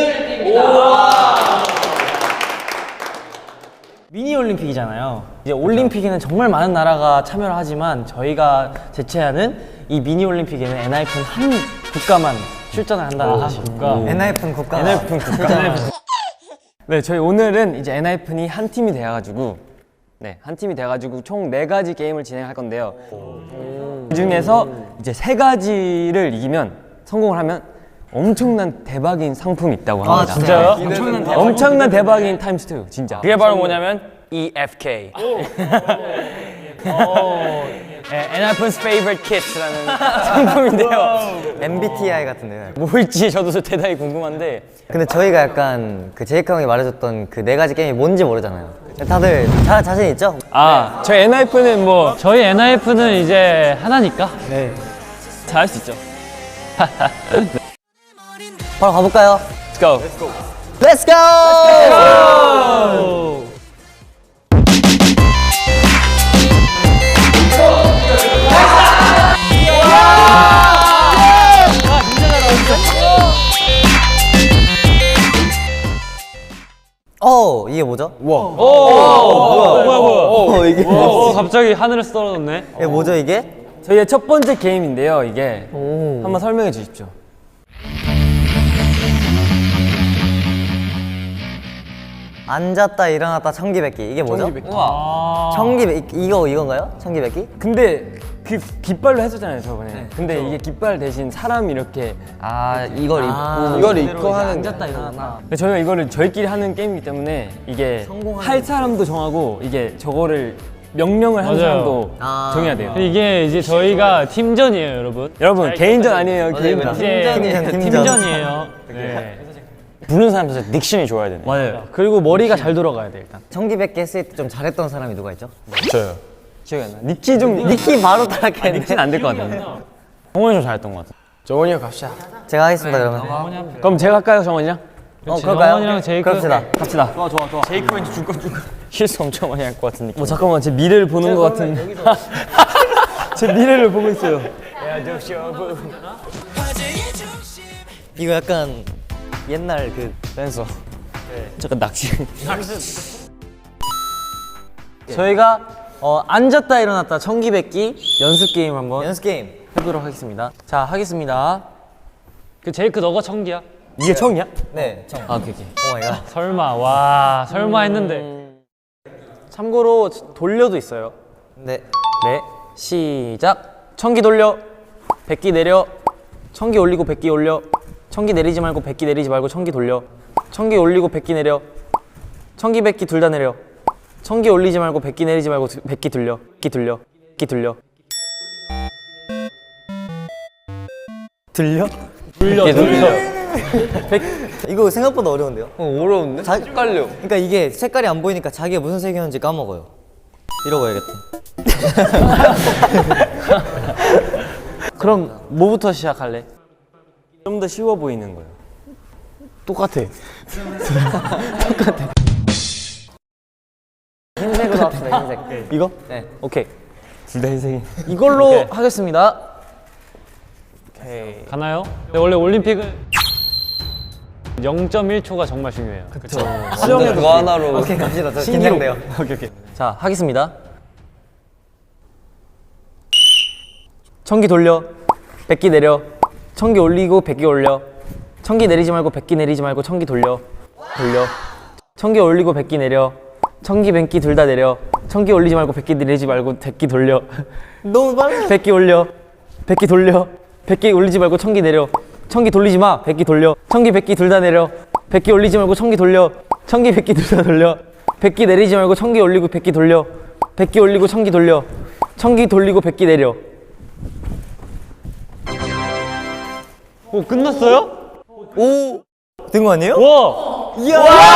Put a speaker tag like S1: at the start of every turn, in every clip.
S1: 미니 올림픽이잖아요. 이제 올림픽에는 정말 많은 나라가 참여를 하지만 저희가 제체하는 이 미니 올림픽에는 엔하이픈 한 국가만 출전을 한다는 사실.
S2: 엔하이픈 국가.
S1: 엔하이픈 국가. 네, 저희 오늘은 이제 엔하이픈이 한 팀이 돼가지고 한 팀이 돼가지고 총 4가지 게임을 진행할 건데요. 그 중에서 이제 3가지를 이기면 성공을 하면 엄청난 대박인 상품이 있다고 합니다.
S2: 진짜요?
S1: 엄청난 대박인 타임스 2 진짜.
S3: 그게 바로 뭐냐면 EFK. 엔하이픈's favorite kit라는 상품인데요.
S2: MBTI 같은데요.
S3: 뭘지 저도 대단히 궁금한데
S2: 근데 저희가 약간 그 제이크 형이 말해줬던 그 4가지 게임이 뭔지 모르잖아요. 다들 자신 있죠?
S3: 저희 엔하이픈은 뭐
S4: 저희 엔하이픈은 이제 하나니까.
S3: 잘할 수 있죠.
S2: 바로 가볼까요?
S3: Let's go.
S2: Let's go! 이게 뭐죠?
S4: 뭐야.
S2: 이게
S4: 갑자기 하늘에서 떨어졌네.
S2: 이게 뭐죠 이게?
S1: 저희의 첫 번째 게임인데요. 이게 한번 설명해 주십시오.
S2: 앉았다 일어났다 청기백기 이게 뭐죠?
S1: 우와.
S2: 청기백기 이건가요? 청기백기?
S1: 근데 그 깃발로 했었잖아요 저번에. 근데 이게 깃발 대신 사람 이렇게
S2: 이걸 입고
S1: 하는 앉았다 일어났다. 근데 저희가 이거를 저희끼리 하는 게임이기 때문에 이게 할 사람도 정하고 이게 저거를 명령을 하는
S4: 맞아요.
S1: 사람도 정해야 돼요.
S4: 이게 이제 저희가 팀전이에요, 여러분.
S1: 여러분 개인전 아니에요. 개인전.
S4: 이제 팀전이에요. 네.
S3: 부르는 사람한테 닉션이 좋아야 되네.
S1: 맞아요. 그리고 머리가 잘 돌아가야 돼 일단.
S2: 청기백기 했을 때 좀 잘했던 사람이 누가 있죠?
S3: 저요.
S1: 기억이 안 나. 니키
S2: 니키 바로 따라했는데
S1: 니키는 안 될 것 같은데.
S3: 정원이 좀 잘했던 것 같아.
S1: 정원이 형 갑시다.
S2: 제가 하겠습니다 그러면.
S1: 그럼 제가 할까요 정원이 형?
S2: 그럴까요?
S4: 정원이랑 제이크.
S2: 그럽시다.
S1: 갑시다.
S3: 제이크 왠지 실수 엄청 많이 할 것 같은 느낌.
S1: 잠깐만 제 미래를 보는 것 같은. 제 미래를 보고 있어요.
S2: 이거 약간 옛날 그
S1: 댄서. 잠깐 낚시. 저희가 앉았다 일어났다 청기백기 연습 게임 한번
S2: 연습 게임.
S1: 해보도록 하겠습니다. 자 하겠습니다.
S4: 그 제이크 너가 청기야?
S1: 이게 청이야?
S2: 네.
S1: 오케이.
S2: 오 마이 갓.
S4: 설마. 와, 설마 했는데.
S1: 참고로 돌려도 있어요.
S2: 네.
S1: 네, 시작. 청기 돌려, 백기 내려, 청기 올리고 백기 올려, 청기 내리지 말고 백기 내리지 말고 청기 돌려, 청기 올리고 백기 내려, 청기 백기 둘 다 내려, 청기 올리지 말고 백기 내리지 말고 백기 돌려, 백기 돌려, 백기 돌려.
S2: 들려? 이거 생각보다 어려운데요?
S1: 어려운데?
S2: 헷갈려. 그러니까 이게 색깔이 안 보이니까 자기가 무슨 색이었는지 까먹어요. 이러고 해야겠다.
S1: 그럼 뭐부터 시작할래?
S3: 좀 더 쉬워 보이는 거예요.
S1: 똑같아.
S2: 흰색으로 합시다. 흰색.
S1: 이거?
S2: 네.
S1: 오케이.
S3: 둘 다 희생이.
S1: 이걸로 하겠습니다. 오케이.
S4: 가나요? 네, 원래 올림픽은 0.1초가 정말 중요해요.
S3: 수영에 그거 하나로.
S2: 오케이 갑시다. 저 긴장돼요.
S1: 오케이. 자, 하겠습니다. 청기 돌려, 백기 내려, 청기 올리고 백기 올려, 청기 내리지 말고 백기 내리지 말고 청기 돌려, 청기 올리고 백기 내려, 청기 백기 둘 다 내려, 청기 올리지 말고 백기 내리지 말고 백기 돌려,
S2: 너무 빨라.
S1: 백기 올려, 백기 돌려, 백기 올리지 말고 청기 내려, 청기 돌리지 마, 백기 돌려, 청기 백기 둘 다 내려, 백기 올리지 말고 청기 돌려, 청기 백기 둘 다 돌려, 백기 내리지 말고 청기 올리고 백기 돌려, 백기 올리고 청기 돌려, 청기 돌리고 백기 내려.
S4: 오, 끝났어요?
S2: 된 거 아니에요?
S4: 와!
S2: 이야!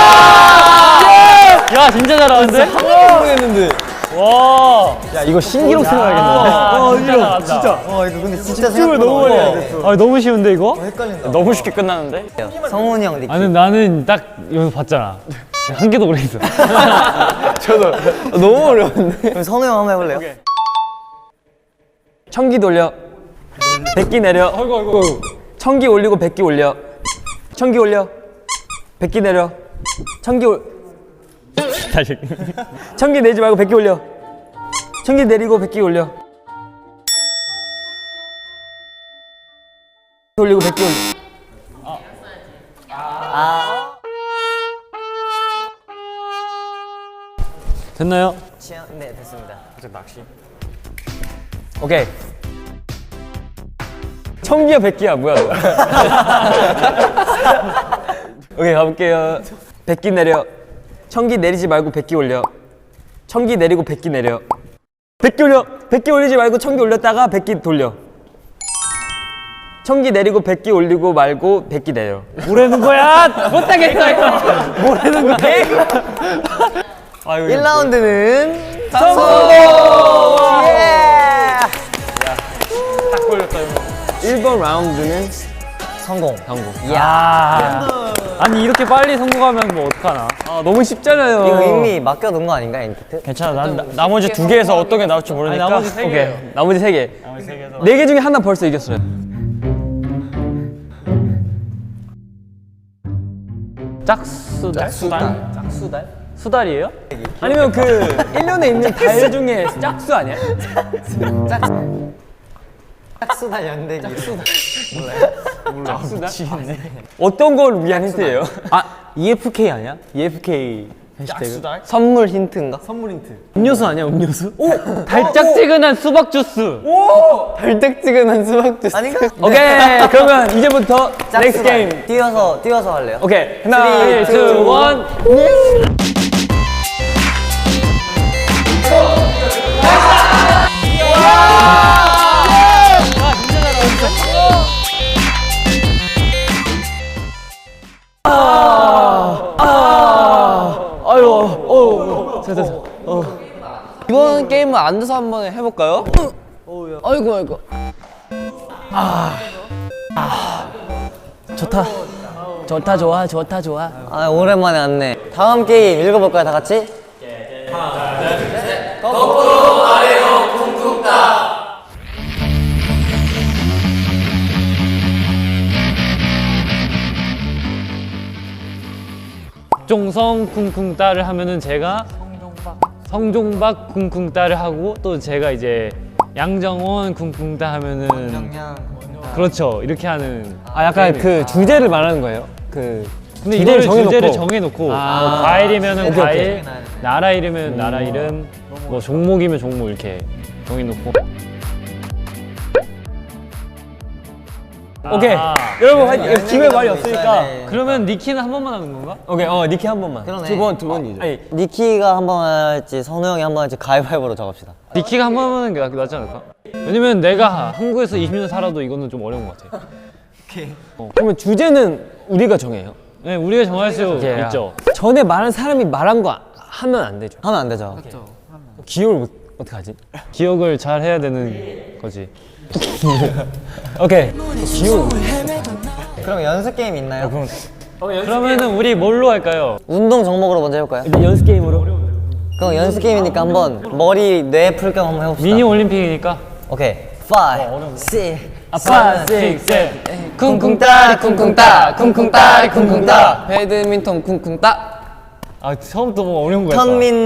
S4: 야, 진짜 잘하는데?
S1: 모르겠는데.
S4: 와!
S1: 야 이거 신기록 생각하겠는데.
S4: 진짜.
S2: 이거 근데 진짜 생각보다
S1: 너무 많이
S2: 어려워.
S4: 아, 너무 쉬운데, 이거?
S2: 헷갈린다.
S3: 너무 쉽게 끝나는데?
S2: 성훈이 형 니키.
S4: 아니, 나는 딱 여기서 봤잖아. 한 개도 모르겠어.
S1: 너무 어려운데.
S2: 그럼 성우 형 한번 해볼래요?
S1: 청기 돌려, 백기 내려, 청기 올리고 백기 올려, 청기 올려,
S3: 백기 내려. 청기 올.
S4: 다시.
S3: 청기 내지 말고 백기 올려. 청기 내리고 백기 올려. 올리고 백기 올려.
S4: 됐나요?
S2: 네, 됐습니다.
S3: 오케이. 청기야 백기야 뭐야 너. 오케이 가볼게요. 백기 내려. 청기 내리지 말고 백기 올려. 청기 내리고 백기 내려. 백기 올려. 백기 올리지 말고 청기 올렸다가 백기 돌려. 청기 내리고 백기 올리고 말고 백기 내려.
S4: 뭐라는 거야? 못하겠어 이거. 뭐라는 거야?
S2: 1라운드는
S3: 성공!
S2: 예!
S3: 딱 걸렸다 이거. 1번 라운드는
S2: 성공.
S4: 야. 아니 이렇게 빨리 성공하면 뭐 어떡하나?
S3: 아 너무 쉽잖아요.
S2: 이거 이미 맡겨둔 거 아닌가, 엔티트?
S3: 괜찮아. 나머지 2개에서 어떤 게 나올지 모르니까.
S4: 아니, 나머지 세
S3: 오케이.
S4: 개예요.
S3: 나머지 3개.
S4: 나머지 세 개에서.
S3: 4개 중에 하나 벌써 이겼어요.
S4: 짝수달? 수달이에요?
S3: 아니면 그 1년에 있는 달 중에 짝수 아니야?
S2: 짝수달 연대기.
S3: 어떤 걸 위한 힌트예요?
S1: 아 EFK 아니야? EFK 해시태그.
S2: 선물 힌트인가?
S1: 음료수 아니야 음료수?
S4: 달짝지근한 수박 주스.
S2: 달짝지근한 수박 주스. 아닌가?
S3: 오케이. 그러면 이제부터 넥스트 게임.
S2: 뛰어서 할래요?
S3: 오케이. 하나,
S4: 3, 2, 1.
S3: 이번 게임은 앉아서 한번 해볼까요? 아이고. 좋다 좋아.
S2: 아, 오랜만에 왔네. 다음 게임 읽어볼까요, 다 같이?
S4: 종성 쿵쿵따를 하면은 제가 성종박 쿵쿵따를 하고 또 제가 이제 양정원 쿵쿵따 하면은 그렇죠 이렇게 하는.
S3: 아 약간 그 주제를 말하는 거예요. 그
S4: 근데
S3: 주제를
S4: 이거를 주제를
S3: 정해놓고.
S4: 정해놓고 뭐 과일이면은
S3: 오케이,
S4: 과일, 나라 이름이면 나라 이름, 뭐 종목이면 종목 이렇게 정해놓고.
S3: 오케이. 여러분 기회 말이 없으니까.
S4: 그러면 니키는 한 번만 하는 건가?
S3: 오케이. 니키 한 번만.
S2: 그러네.
S3: 두 번이죠. 아니,
S2: 니키가 한 번 할지, 선우 형이 한 번 할지 가위바위보로 정합시다.
S4: 니키가 한 번 하는 게 낫지 않을까? 왜냐면 내가 한국에서 20년 살아도 이거는 좀 어려운 것 같아.
S3: 그러면 주제는 우리가 정해요.
S4: 네, 우리가 정할 수
S3: 오케이.
S4: 있죠.
S3: 전에 말한 사람이 말한 거 하면 안 되죠.
S2: 하면 안 되죠.
S3: 기억을 어떻게 하지?
S4: 기억을 잘 해야 되는 거지.
S3: 오케이.
S2: 그럼 연습 게임 있나요?
S4: 그러면은 우리 뭘로 할까요?
S2: 운동 종목으로 먼저 해볼까요?
S3: 연습 게임으로.
S2: 그럼 연습 게임이니까 한번 머리 뇌 풀 겸 한번 해봅시다.
S4: 미니 올림픽이니까.
S2: 오케이. 5, 6, 7,
S4: 6,
S5: 쿵쿵따리 쿵쿵따 쿵쿵따리 쿵쿵따 배드민턴 쿵쿵따.
S4: 아 처음부터 뭐 어려운 거였다.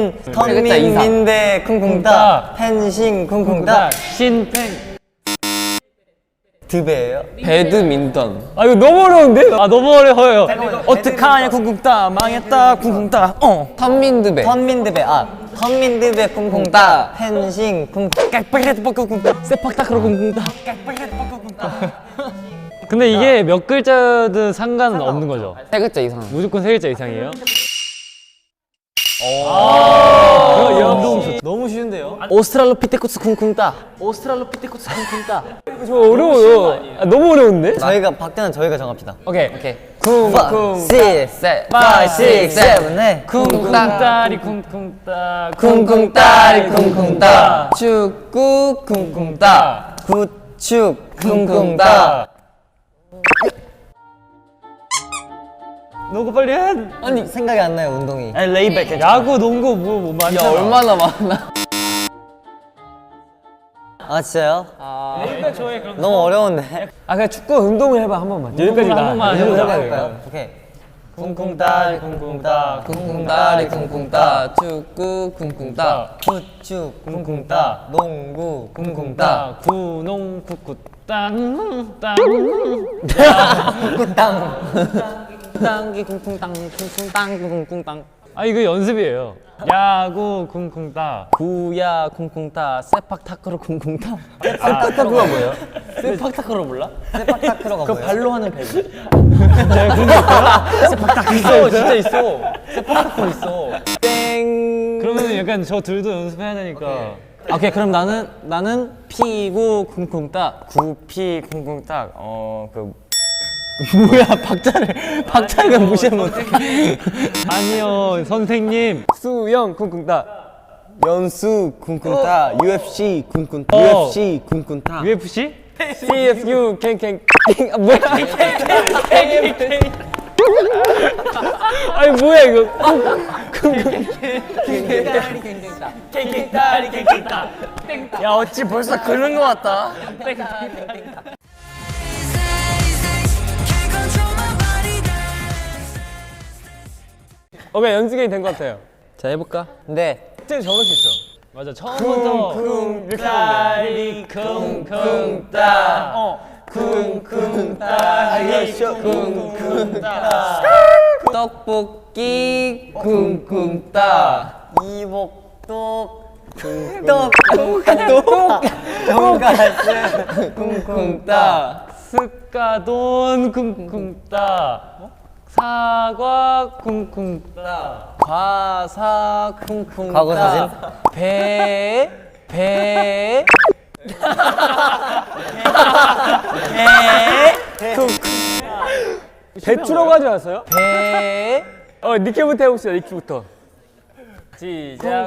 S2: 턴민민대 쿵쿵따 펜싱 쿵쿵따
S4: 신팽.
S2: 드베예요?
S5: 배드민턴.
S3: 아 이거 너무 어려운데?
S4: 아 너무 어려워요.
S3: 어떡하냐 쿵쿵따 망했다 쿵쿵따.
S5: 턴민드배.
S2: 턴민드베 턴민드베 쿵쿵따 펜싱 쿵쿵따
S3: 세팍타크로 쿵쿵따.
S4: 근데 이게 몇 글자든 상관은 없는 거죠.
S5: 세 글자 이상.
S4: 무조건 세 글자 이상이에요.
S1: 너무 쉬운데요?
S3: 오스트랄로피테쿠스 쿵쿵따. 저 어려워요. 아, 너무 어려운데?
S2: 저희가 박자는 저희가 정합시다.
S3: 오케이.
S5: 오케이.
S2: 5, 6, 7,
S5: 셋.
S2: 5, 6, 7, 네.
S4: 쿵쿵따리 쿵쿵따
S5: 쿵쿵따리 쿵쿵따. 축구 쿵쿵따.
S2: 구축 쿵쿵따
S4: 너가 빨리 해.
S2: 아니 생각이 안 나요 운동이.
S1: 아니 레이백.
S4: 야구, 농구 뭐 많잖아.
S5: 야 얼마나 많아.
S2: 아 진짜요?
S4: 여기까지 좋아해 그럼.
S2: 너무 어려운데.
S3: 아 그냥 축구 운동을 해봐 한 번만. 여기까지
S4: 한 번만 해보자.
S2: 해볼까요? 오케이. 쿵쿵따리 쿵쿵따
S5: 쿵쿵따리 쿵쿵따 축구 쿵쿵따
S2: 후추 쿵쿵따 농구 쿵쿵따
S4: 구농 쿠쿠 땅 땅.
S1: 땅기 쿵쿵땅 쿵쿵땅 쿵쿵땅.
S4: 아 이거 연습이에요. 야구 쿵쿵따.
S1: 구야 쿵쿵따 세팍타크로 쿵쿵따.
S2: 세팍타크로가 뭐예요?
S1: 세팍타크로 몰라?
S2: 세팍타크로가
S1: 그
S2: 뭐예요?
S1: 발로 하는 배구. 세팍타크 있어, 진짜 있어. 세팍타크 있어. 땡.
S4: 그러면 약간 저 둘도 연습해야 되니까.
S1: 오케이, 그럼 나는 피구 쿵쿵따.
S2: 구피 쿵쿵따
S1: 뭐야, 박자를 무시하면 어떡해.
S4: 아니요 선생님.
S3: 수영 쿵쿵따.
S2: 연수 쿵쿵따 UFC 쿵쿵따
S4: 어.
S2: UFC 쿵쿵따
S4: UFC?
S3: CFU 캥캥. 아 뭐야? 아니 뭐야 이거?
S2: 야 어찌 벌써 그런 거 같다.
S3: 오케이 연습 게임 된 것 같아요.
S1: 자, 해볼까?
S2: 네.
S3: 진짜 적을 수 있어.
S4: 맞아 처음부터
S3: 이렇게 하면 돼.
S1: 쿵쿵따.
S5: 떡볶이 쿵쿵따
S2: 이복독 돈가스
S5: 쿵쿵따
S4: 스카돈 쿵쿵따. 사과 쿵쿵따.
S1: 과사 쿵쿵따.
S2: 과거 사진?
S1: 배
S3: 배추라고 하지 않았어요?
S1: 배.
S3: 니키부터 해봅시다. 니키부터.
S1: 시작.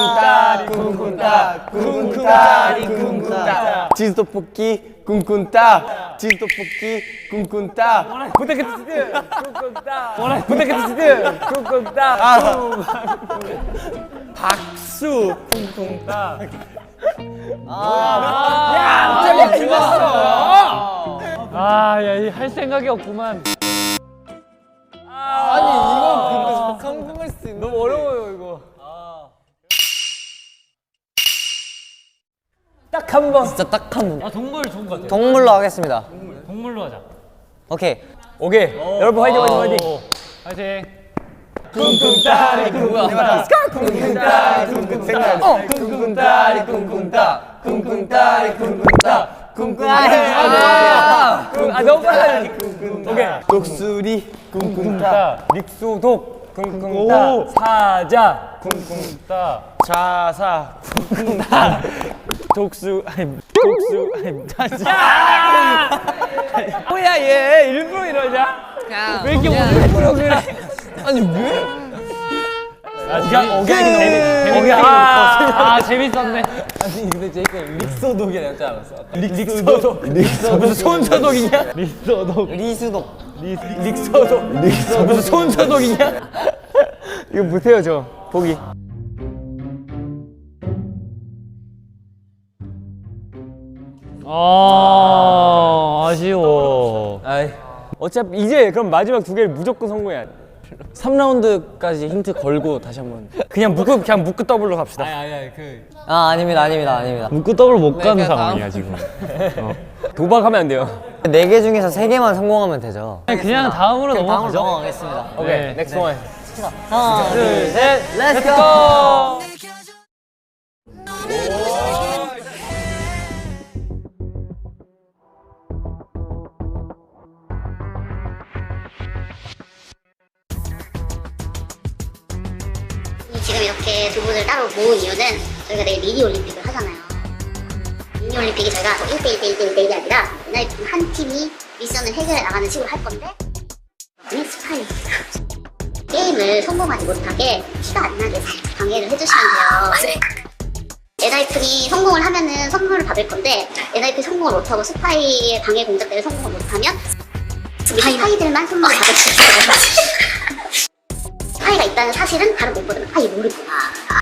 S2: 쿵쿵따리 쿵쿵따 치즈떡볶이 쿵쿵따 치즈떡볶이 쿵쿵따
S3: 부탁해주세요. 쿵쿵따. 부탁해주세요. 쿵쿵따.
S2: 박수
S3: 갑자기 죽었어.
S4: 아야 할 생각이 없구만.
S5: 아니 이거 근데 성공할 수 있는
S3: 너무 어려워요 이거. 딱 한 번.
S2: 진짜 딱 한 번.
S4: 아 동물 좋은 것 같아.
S2: 동물로 하겠습니다.
S4: 동물로 하자.
S2: 오케이.
S3: 오케이. 여러분 화이팅 화이팅 화이팅.
S4: 오, 화이팅.
S5: 쿵쿵따리 쿵쿵따 쿵쿵따리 쿵쿵따 쿵쿵따리 쿵쿵따 쿵쿵따리 쿵쿵따 쿵쿵따리
S3: 아 너무 빨라. 오케이.
S2: 독수리 쿵쿵따
S3: 믹소독 쿵쿵따. 사자 쿵쿵따. 자사 쿵쿵따. 독수 뭐야 얘 일부러 이러냐? 왜 이렇게 일부러 그래?
S5: 아니 왜?
S4: 재밌었네.
S1: 아니, 근데 제이크 릭소독이라 했지 않았어?
S3: 릭소독. 무슨 손소독이냐?
S4: 리소독.
S2: 리수독
S3: 릭소독. 무슨 손소독이냐? 이거 못해요 저. 보기.
S4: 아쉬워.
S1: 아이,
S3: 어차피 이제 그럼 마지막 두 개를 무조건 성공해야 돼.
S1: 3라운드까지 힌트 걸고 다시 한번.
S3: 그냥 묶고 더블로 갑시다.
S2: 아닙니다.
S4: 묶고 더블 못 가는
S5: 내가
S4: 상황이야 지금.
S3: 도박하면 안 돼요.
S2: 4개 중에서 3개만 성공하면 되죠.
S4: 그냥 다음으로 넘어가죠.
S2: 넘어가겠습니다.
S3: 오케이. 넥스트 원.
S2: 하나 둘셋 렛츠고.
S6: 지금 이렇게 두 분을 따로 모은 이유는 저희가 내일 미니 올림픽을 하잖아요. 미니 올림픽이 저희가 1대1이 아니라 한 팀이 미션을 해결해 나가는 식으로 할 건데 스파이 게임을 성공하지 못하게 티가 안 나게 살짝 방해를 해주시면 돼요. 엔하이픈이 성공을 하면은 선물을 받을 건데 엔하이픈이 성공을 못하고 스파이의 방해 공작 때문에 성공을 못하면 스파이들만 선물을 받을 수 있어요. 스파이가 있다는 사실은 다른 멤버들은 아예 모르구나.